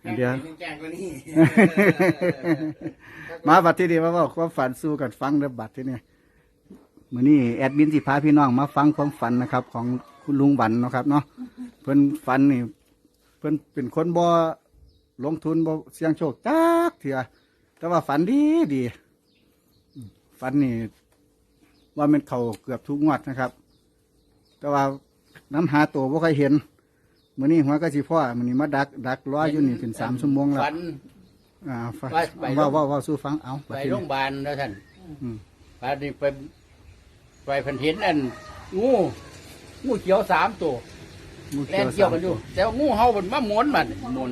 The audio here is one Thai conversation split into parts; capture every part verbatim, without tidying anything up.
เดี๋ยวมาบัดที่นี่มาบอกความฝันสู้กันฟังเด้อบัดที่นี่มื้อนี้แอดมินสิพาพี่น้องมาฟังความฝันนะครับ ของคุณลุงบันเนาะครับเนาะเพิ่นฝันนี่เพิ่นเป็นคนบ่ลงทุนบ่เสี่ยงโชคจักเถื่อแต่ว่าฝันดีดีฝันนี่ว่ามันเข้าเกือบทุกงวดนะครับ แต่ว่าน้ำหาตัวบ่เคยเห็นมื้อนี้หัวก็สิพ่อมื้อนี้มาดักดักรออยู่นี่เป็นสามชั่วโมงแล้วฝันอ่าฟังไปว่าว่าว่าสู้ฟังเอาไปโรงพยาบาลแล้วท่านอืมไปนี่ไปไปเพันเห็นอันงูงูเขียวสามตัวหมู่แล่นเกี่ยวกันอยู่แต่ว่างูเห่ามันมาหมุนมันหมุน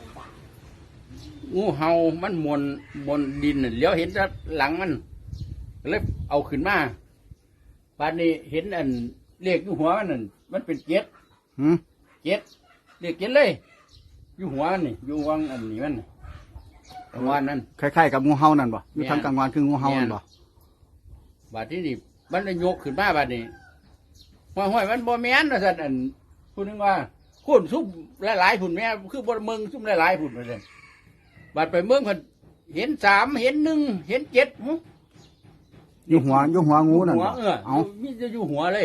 งูเห่ามันหมุนหมุนดินน่ะเลี้ยวเห็นแต่หลังมันเลยเอาขึ้นมาป่านนี้เห็นอันเลขอยู่หัวมันนั่นมันเป็นเจ็ดหืมเจ็ดเลขเจ็ดเลย อยู่หัวมันนี่อยู่วังอันนี้มันกลางวันนั้นคล้ายๆกับงูเห่านั่นบ่อยู่แม่นทางกลางวันคืองูเห่านั่นบ่บาดที่นี่มันได้ยกขึ้นมาบาดนี้ห้อยห้อยมันบ่แม่นนะสัตว์อันพูดนึงว่าคุณซุ่มหลายๆผุนแม่คือบ่เมืองซุ่มหลายๆผุนมาเลยบาดไปเมืองเพิ่นเห็นสามเห็นหนึ่งเห็นเจ็ดหึอยู่หัวอยู่หัวงูนั่นหัวบ่เออเอามีจะอยู่หัวเลย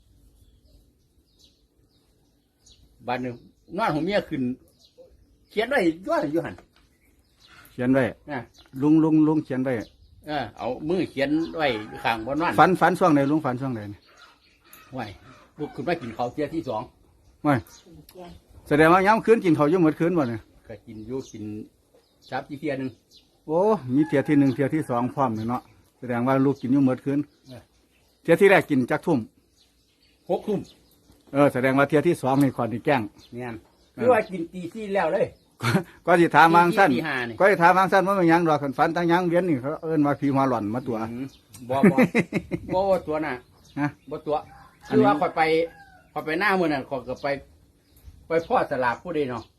บาดนึงนอนของเมียขึ้น เขียนไว้ย้อนอยู่หั่นเขียนไว้นะลุงลุงลุงเขียนไว้เออเอามือเขียนไว้ข้างบนนั่นฝันฝันช่วงไหนลุงฝันช่วงไหนนี่ไว้ลุกขึ้นมากินข้าวเที่ยที่สองไม่แสดงว่าย้ำคืนกินข้าวอยู่หมดคืนบ่เนี่ยก็กินอยู่กินซับที่เที่ยหนึงโอ้มีเที่ยที่หนึ่งเที่ยที่สองพร้อมเลยเนาะแสดงว่าลูกกินอยู่หมดคืนเออเที่ยที่แรกกินจักทุ่มหกทุ่มเออแสดงว่าเที่ยที่สองนี่ก่อนที่แกล้งเนี่ยคือว่ากินตีซี่แล้วเลยก็สิถามวางสั้นตีห้านี่ก็สิถามวางสั้นว่ามันหยังดอกคันฝันตั้งหยังเวียนนี่เขาเอิ้นว่าผีหัวหล่อนมาตัวอืมบ่บ่บ่ว่าตัวน่ะฮะบ่ตัวอันคือนี้ว่าคอยไปคอยไปหน้ามือน่ะคอยก็ไป ไปพ่อสลากผู้ใดเนาะ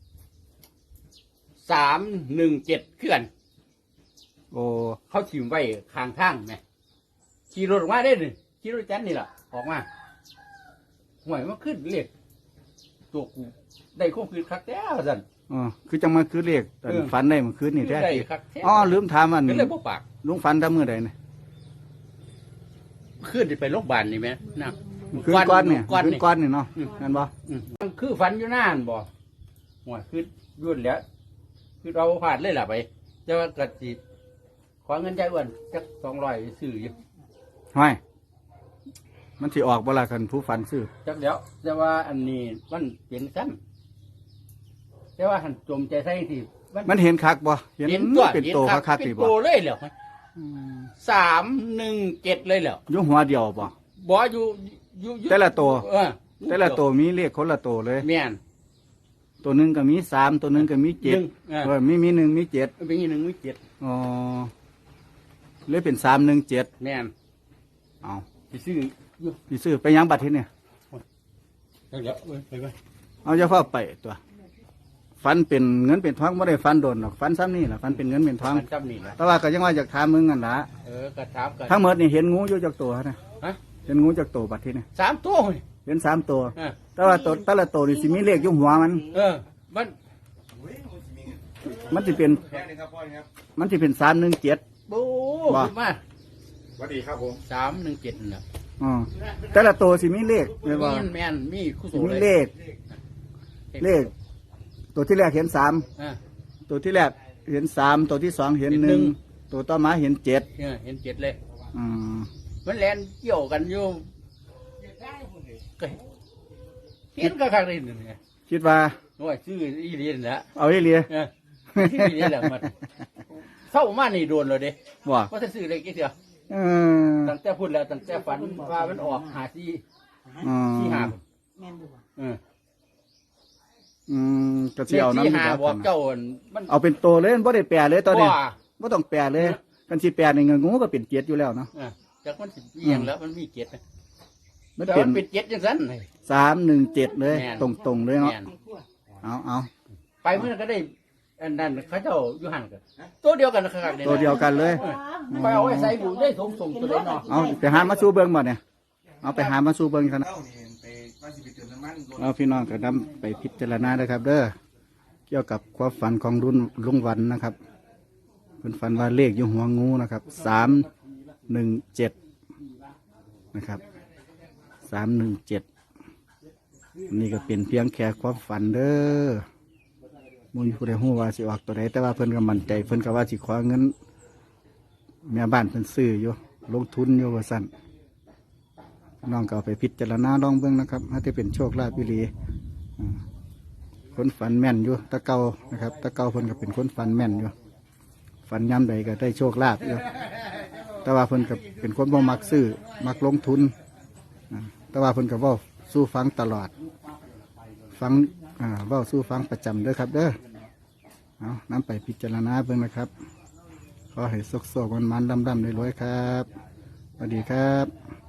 สามหนึ่งเจ็ดเคลื่อนโอ้เขาถิ่มไว้ข้างทางไงขี่รถออกมาได้หนึ่งขี่รถจันนี่แหละออกมาห่วยมันขึ้นเรียกตัวกูได้ข้อคืนคักแท้สันอ๋อคือจังมาคือเลขแต่เออฝันได้เมื่อคืนนี่แท้ได้คักแท้อ๋อลืมถามอันก็เลยบ่ปากลุงฝันทำมือใดเนี่ยขึ้นไปโรงพยาบาลนี่ไหมนะคืนก้อนเนี่ยก้อนคืนนี่ก้อนนี่เนาะอืมนั่นบ่อืมมันคือฝันอยู่นานบ่ห่วยคือยุ่นแล้วคือเราผ่านเลยล่ะไปจะว่ากระติขอเงินใจอ้วนจักสองร้อยซื้ออยู่ห้อยมันสิออกบ่ล่ะคันผู้ฝันซื้อจักเดี๋ยวแต่ว่าอันนี้มันเป็นซ้ำแต่ว่าหันจมใจใส่ที่มันเห็นคักบ่เห็นเห็นตัวเป็นโตห็นคักๆเป็นี่นบ่โตเลยเหรออืมสามหนึ่งเจ็ดเลยเหรออยู่หัวเดียวบ่บ่อยู่อยู่อยู่แต่ละตัวเออแต่ละตัวมีเลขคนละโตเลยแม่นตัวหนึงก็มีสามตัวหนึงก็มีเจ็ดหนึ่งเออเออมีมีหนึ่งมีเจ็ดเป็นอย่างหนึ่งไม่เจ็ดอ๋อเลยเป็นสามหนึ่งเจ็ดแม่นเอาไปซื้ออยู่พี่ซื้อไปยังบัตรที่เนี่ยเดี๋ยวเอ้ยไปไปเอาจะเข้าไปตัวฟันเป็นเงินเป็นทองไม่ได้ฟันโดนหรอกฟันซ้ำนี่แหละฟันเป็นเงินเป็นทองมันจำนี่แหละแต่ว่าก็ยังว่าอยากถามมึงกันละเออกระถามกันทั้งหมดนี่เห็นงูอยู่จากตัวนะฮะเห็นงูจากตัวบัตรที่เนี่ยสามตัวเว้ยเห็นสามตัวเออแต่ว่าตัวแต่ละตัวนี่สิมีเลขอยู่หัวมันเออ มันมันจะเป็นแค่นี้ครับพ่อครับมันจะเป็นสามหนึ่งเจ็ดโอ้ว่าขึ้นมาสวัสดีครับผมสามหนึ่งเจ็ดน่ะอ๋อแต่ละตัวสิมีเลขเรียกว่าแม่นแม่นมีคู่โสสิมีเลยเลข เลข ตัวที่แรกเห็นสามอ่าตัวที่แรกเห็นสามตัวที่สองเห็นเห็นหหนึ่นึ่งงตัวต่อมาเห็นเจ็ดเออเห็นเจ็ดเลยอืมมันแลนเกี่ยวกันอยู่ก็เห็นก็ข้างในนี่ไงคิดว่าโอ้ยชื่ออีเลียนแหละเอาอีเลียเออชื่ออีเลียนแหละมันเศร้ามานี่โดนเลยเด้ว่าว่าจะซื้ออะไรกี่เดียวเออตั้งแต่พูดแล้วตั้งแต่ฝันว่ามันออกหาที่อืมที่หาเอออืมก็สิเอาน้ำที่นี่หาครับบอกเจ้าอั่นมันเอาเป็นตัวเลยบ่ได้แปลเลยตอนนี้ว่าบ่ต้องแปลเลยกันสิแปลนี่เงินงูก็เป็นเจ็ดอยู่แล้วเนาะเออจากมันสิเอียงแล้วมันมีเจ็ดนะมันแต่เป็มัน นเป็นเจ็ดจังสันสามหนึ่งเจ็ดเลยแม่นตรงๆเลยเนาะแม่นเอาเอาไปเมื่อนั้นก็ได้อันนั้นเขาเจ้าอยู่หันกันตัวเดียวกันนะครับตัวเดียวกันเลยไปเอาไว้ใส่บุได้สมสมตัวเดียวเนาะเอาไปหามาสู้เบิ่งบ่เนี่ยเอาไปหามาสู้เบิ่งกันนะเล่านี่ไปว่าสิไปเติมน้ำมันรถเอาพี่น้องก็นำไปพิจารณานะครับ เด้อกี่ยวกับความฝันของรุ่นลุงวันนะครับเพิ่นฝันว่าเลขอยู่หัวงูนะครับสามหนึ่งเจ็ดนะครับสามหนึ่งเจ็ดนี่ก็เป็นเพียงแค่ความฝันเด้อมุนผู้ใดหู้ว่าสิออกตัวใดแต่ว่าเพิ่นก็มั่นใจเพิ่นก็ว่าสิขอเงินแม่บ้านเพิ่นซื้ออยู่ลงทุนอยู่ว่าสั่นน้องก็เอาไปพิจารณาลองเบิ่งนะครับถ้าจะเป็นโชคลาภอีหลีอ่าคนฝันแม่นอยู่ตะเกานะครับตะเกาเพิ่นก็เป็นคนฝันแม่นอยู่ฝันย้ำใดก็ได้โชคลาภอยู่แต่ว่าเพิ่นก็เป็นคนบ่มักซื้อมักลงทุนอ่าแต่ว่าเพิ่นก็เว้าสู้ฟังตลอดฟังอ่าเว้าสู้ฟังประจำเด้อครับเด้อเอานำไปพิจารณาเบิ่งนะครับขอให้สุขๆมันๆดำๆรวยๆครับสวัสดีครับ